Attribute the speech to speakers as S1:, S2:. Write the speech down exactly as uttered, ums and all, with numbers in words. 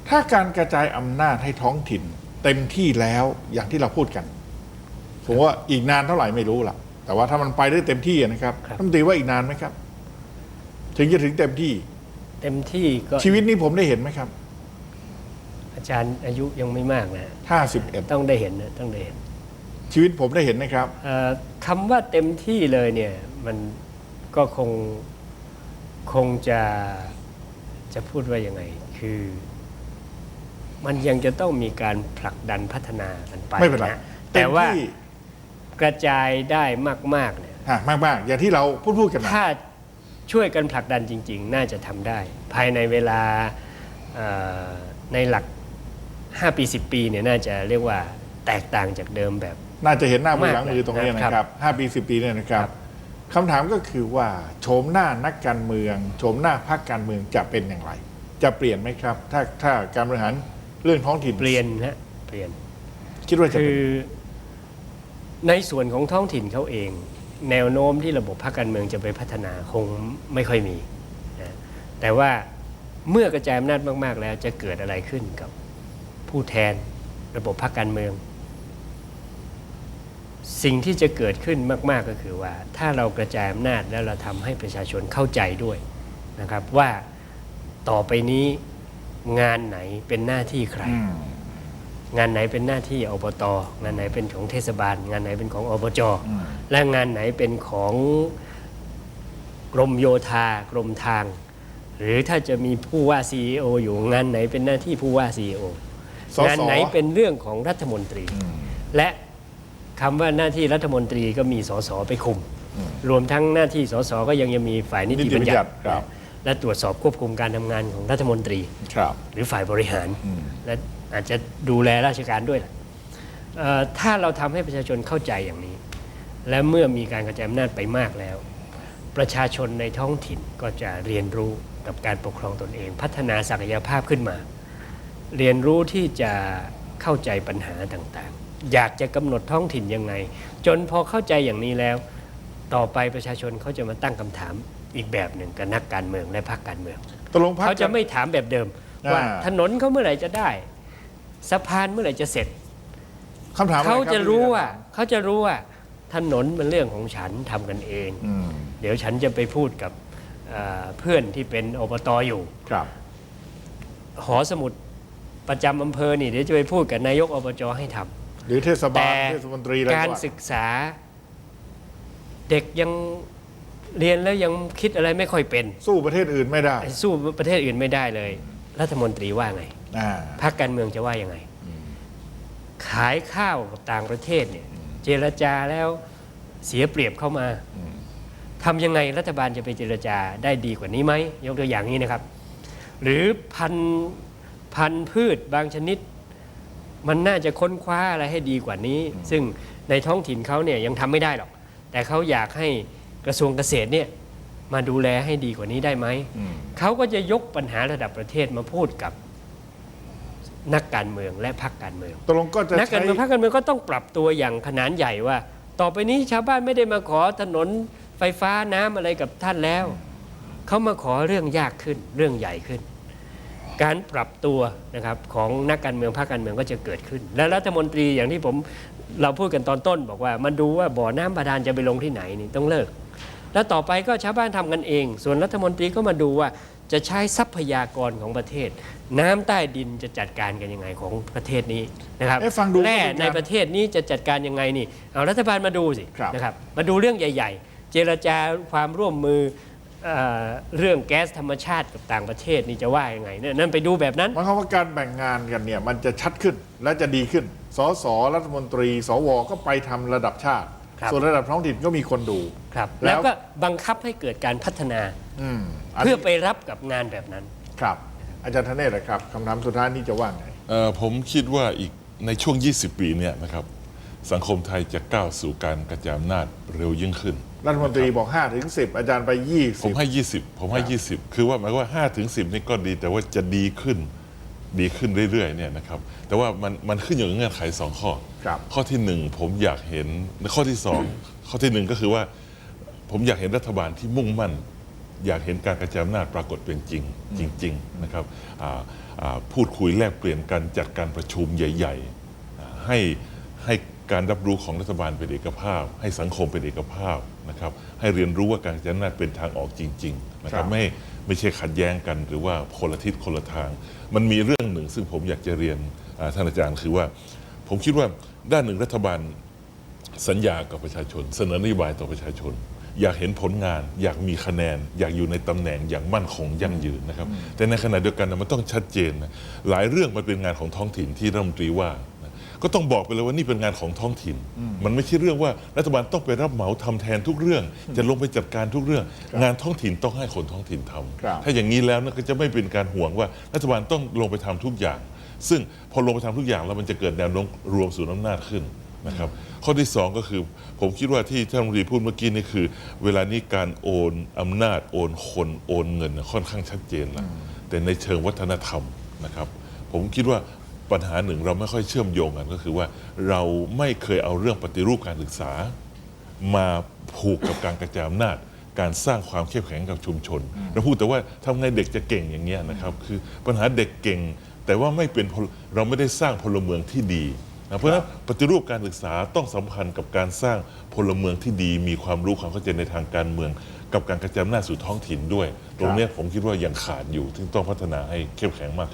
S1: ถ้าการกระจายอำนาจให้ท้องถิ่นเต็มที่แล้วอย่างที่เราพูดกันผมว่าอีกนานเท่าไหร่ไม่รู้ล่ะแต่ว่าถ้ามันไปได้เต็มที่นะครับท่านตีว่าอีกนานไหมครับถึงจะถึงเต็มที่
S2: เต็มที่ก็
S1: ชีวิตนี้ผมได้เห็นไหมครับ
S2: อาจารย์อายุยังไม่มากนะ
S1: ห้าสิบเอ็ด
S2: ต้องได้เห็นนะต้องได้เห็น
S1: ชีวิตผมได้เห็นนะครับ
S2: คำว่าเต็มที่เลยเนี่ยมันก็คงคงจะจะพูดว่ายังไงคือมันยังจะต้องมีการผลักดันพัฒนากันไป
S1: ไม่เป็นไร
S2: นะแต่ว่ากระจายได้มากๆเนี่ย
S1: มากๆอย่างที่เราพูดพูดกัน
S2: ถ้าช่วยกันผลักดันจริงๆน่าจะทำได้ภายในเวลาในหลักห้าปีสิบปีเนี่ยน่าจะเรียกว่าแตกต่างจากเดิมแบบ
S1: น่าจะเห็นหน้ามือหลังมือตรงนี้นะครับห้าปีสิบปีเนี่ยนะครับคำถามก็คือว่าโฉมหน้านักการเมืองโฉมหน้าพรรคการเมืองจะเป็นอย่างไรจะเปลี่ยนไหมครับถ้าถ้าการบริหารเรื่องท้องถิ่น
S2: เปลี่ยนฮะเปลี่ยน
S1: คิดว่าจะ
S2: คือในส่วนของท้องถิ่นเขาเองแนวโน้มที่ระบบพรรคการเมืองจะไปพัฒนาคงไม่ค่อยมีนะแต่ว่าเมื่อกระจายอำนาจมากๆแล้วจะเกิดอะไรขึ้นกับผู้แทนระบบพรรคการเมืองสิ่งที่จะเกิดขึ้นมากๆก็คือว่าถ้าเรากระจายอำนาจแล้วเราทำให้ประชาชนเข้าใจด้วยนะครับว่าต่อไปนี้งานไหนเป็นหน้าที่ใครงานไหนเป็นหน้าที่อบต.งานไหนเป็นของเทศบาลงานไหนเป็นของอบจ.และงานไหนเป็นของกรมโยธากรมทางหรือถ้าจะมีผู้ว่า ซี อี โอ อยู่งานไหนเป็นหน้าที่ผู้ว่า ซี อี โอ งานไหนเป็นเรื่องของรัฐมนตรีและคำว่าหน้าที่รัฐมนตรีก็มีสสไปคุมรวมทั้งหน้าที่สสก็ยังยังมีฝ่ายนิติบัญญัติและตรวจสอบควบคุมการทำงานของรัฐมนตรีหรือฝ่ายบริหารและอาจจะดูแลราชการด้วยล่ะถ้าเราทำให้ประชาชนเข้าใจอย่างนี้และเมื่อมีการกระจายอำนาจไปมากแล้วประชาชนในท้องถิ่นก็จะเรียนรู้กับการปกครองตนเองพัฒนาศักยภาพขึ้นมาเรียนรู้ที่จะเข้าใจปัญหาต่างๆอยากจะกำหนดท้องถิ่นยังไงจนพอเข้าใจอย่างนี้แล้วต่อไปประชาชนเขาจะมาตั้งคำถามอีกแบบหนึ่งกับนักการเมืองและพรรคการเมืองเขาจะไม่ถามแบบเดิมว่าถนนเขาเมื่อไหร่จะได้สะพานเมื่อไหร่จะเสร็จ
S1: คำถาม
S2: เขาจะรู้ว่าเขาจะรู้ว่าถนนเป็นเรื่องของฉันทำกันเองเดี๋ยวฉันจะไปพูดกับเพื่อนที่เป็นอบต.อยู่หอสมุดประจำอำเภอนี่เดี๋ยวจะไปพูดกับนายกอบจ.ให้ทำ
S1: หรือเทศบาลเทศมนตรี
S2: การศึกษาเด็กยังเรียนแล้วยังคิดอะไรไม่ค่อยเป็น
S1: สู้ประเทศอื่นไม่ได้
S2: สู้ประเทศอื่นไม่ได้เลยรัฐมนตรีว่าไงพรรคการเมืองจะว่ายังไงขายข้าวกับต่างประเทศเนี่ยเจรจาแล้วเสียเปรียบเข้ามาทำยังไงรัฐบาลจะไปเจรจาได้ดีกว่านี้ไหมยกตัวอย่างนี้นะครับหรือพันพันพืชบางชนิดมันน่าจะค้นคว้าอะไรให้ดีกว่านี้ซึ่งในท้องถิ่นเขาเนี่ยยังทำไม่ได้หรอกแต่เขาอยากให้กระทรวงเกษตรเนี่ยมาดูแลให้ดีกว่านี้ได้ไหมเขาก็จะยกปัญหาระดับประเทศมาพูดกับนักการเมืองและพรรคการเมือง
S1: ตกลงก็จะ
S2: นักการเมืองพรรคการเมืองก็ต้องปรับตัวอย่างขนาดใหญ่ว่าต่อไปนี้ชาวบ้านไม่ได้มาขอถนนไฟฟ้าน้ำอะไรกับท่านแล้วเขามาขอเรื่องยากขึ้นเรื่องใหญ่ขึ้นการปรับตัวนะครับของนักการเมืองพรรคการเมืองก็จะเกิดขึ้นและรัฐมนตรีอย่างที่ผมเราพูดกันตอนต้นบอกว่ามันดูว่าบ่อน้ำบาดาลจะไปลงที่ไหนนี่ต้องเลิกแล้วต่อไปก็ชาวบ้านทำกันเองส่วนรัฐมนตรีก็มาดูว่าจะใช้ทรัพยากรของประเทศน้ำใต้ดินจะจัดการกันยังไงของประเทศนี้นะครับแร่ในประเทศนี้จะจัดการยังไงนี่เอารัฐบาลมาดูสินะครับมาดูเรื่องใหญ่ๆเจรจาความร่วมมือเรื่องแก๊สธรรมชาติกับต่างประเทศนี่จะว่ายังไงเนี่ยนั่นไปดูแบบนั้น
S1: หมายความว่าการแบ่งงานกันเนี่ยมันจะชัดขึ้นและจะดีขึ้นสสรัฐมนตรีสวก็ไปทำระดับชาติส่วนระดับท้องถิ่นก็มีคนดู
S2: ครับแล้วก็บังคับให้เกิดการพัฒนาเพื่อไปรับกับงานแบบนั้น
S1: ครับอาจารย์ธเนศครับคำถามสุดท้ายนี้จะว่าไง
S3: ผมคิดว่าอีกในช่วงยี่สิบปีเนี่ยนะครับสังคมไทยจะก้าวสู่การกระจายอำนาจเร็วยิ่งขึ้น
S1: รัฐมนตรีบอกห้าถึงสิบอาจารย์ไปยี่สิบ
S3: ผมให้ยี่สิบผมให้ยี่สิบคือว่าหมายว่าห้าถึงสิบนี่ก็ดีแต่ว่าจะดีขึ้นดีขึ้นเรื่อยๆเนี่ยนะครับแต่ว่ามันมันขึ้นอยู่กับเงื่อนไขสองข้อข้อที่หนึ่งผมอยากเห็นข้อที่สองข้อที่หนึ่งก็คือว่าผมอยากเห็นรัฐบาลที่มุ่งมั่นอยากเห็นการกระจายอำนาจปรากฏเป็นจริงจริงๆนะครับอ่าอ่าพูดคุยแลกเปลี่ยนกันจัดการประชุมใหญ่ๆอ่าให้ให้การรับรู้ของรัฐบาลเป็นเอกภาพ ให้สังคมเป็นเอกภาพนะครับให้เรียนรู้ว่าการกระจายอำนาจเป็นทางออกจริงๆนะครับไม่ไม่ใช่ขัดแย้งกันหรือว่าคนละทิศคนละทางมันมีเรื่องหนึ่งซึ่งผมอยากจะเรียนท่านอาจารย์คือว่าผมคิดว่าด้านหนึ่งรัฐบาลสัญญากับประชาชนเสนอนโยบายต่อประชาชนอยากเห็นผลงานอยากมีคะแนนอยากอยู่ในตำแหน่งอย่างมั่นคงยั่งยืนนะครับแต่ในขณะเดียวกันมันต้องชัดเจนนะหลายเรื่องมันเป็นงานของท้องถิ่นที่รัฐมนตรีว่าก็ต้องบอกไปเลยว่านี่เป็นงานของท้องถิ่นมันไม่ใช่เรื่องว่ารัฐบาลต้องไปรับเหมาทำแทนทุกเรื่องจะลงไปจัดการทุกเรื่อง งานท้องถิ่นต้องให้คนท้องถิ่นทำถ้าอย่างนี้แล้วก็จะไม่เป็นการห่วงว่ารัฐบาลต้องลงไปทำทุกอย่างซึ่งพอลงไปทำทุกอย่างแล้วมันจะเกิดแนวโน้มรวมศูนย์อำนาจขึ้นนะครับข้อที่สองก็คือผมคิดว่าที่ท่านรัฐมนตรีพูดเมื่อกี้นี่คือเวลานี้การโอนอำนาจโอนคนโอนเงินค่อนข้างชัดเจนแล้วแต่ในเชิงวัฒนธรรมนะครับผมคิดว่าปัญหาหนึ่งเราไม่ค่อยเชื่อมโยงกันก็คือว่าเราไม่เคยเอาเรื่องปฏิรูปการศึกษามาผูกกับการกระจายอำนาจการสร้างความเข้มแข็งกับชุมชนเราพูดแต่ว่าทำไงเด็กจะเก่งอย่างเงี้ยนะครับคือปัญหาเด็กเก่งแต่ว่าไม่เป็นเราไม่ได้สร้างพลเมืองที่ดีนะเพราะฉะนั้นปฏิรูปการศึกษาต้องสัมพันธ์กับการสร้างพลเมืองที่ดีมีความรู้ความเข้าใจในทางการเมืองกับการกระจายอำนาจสู่ท้องถิ่นด้วยตรงนี้ผมคิดว่ายังขาดอยู่ซึ่งต้องพัฒนาให้เข้มแข็งมาก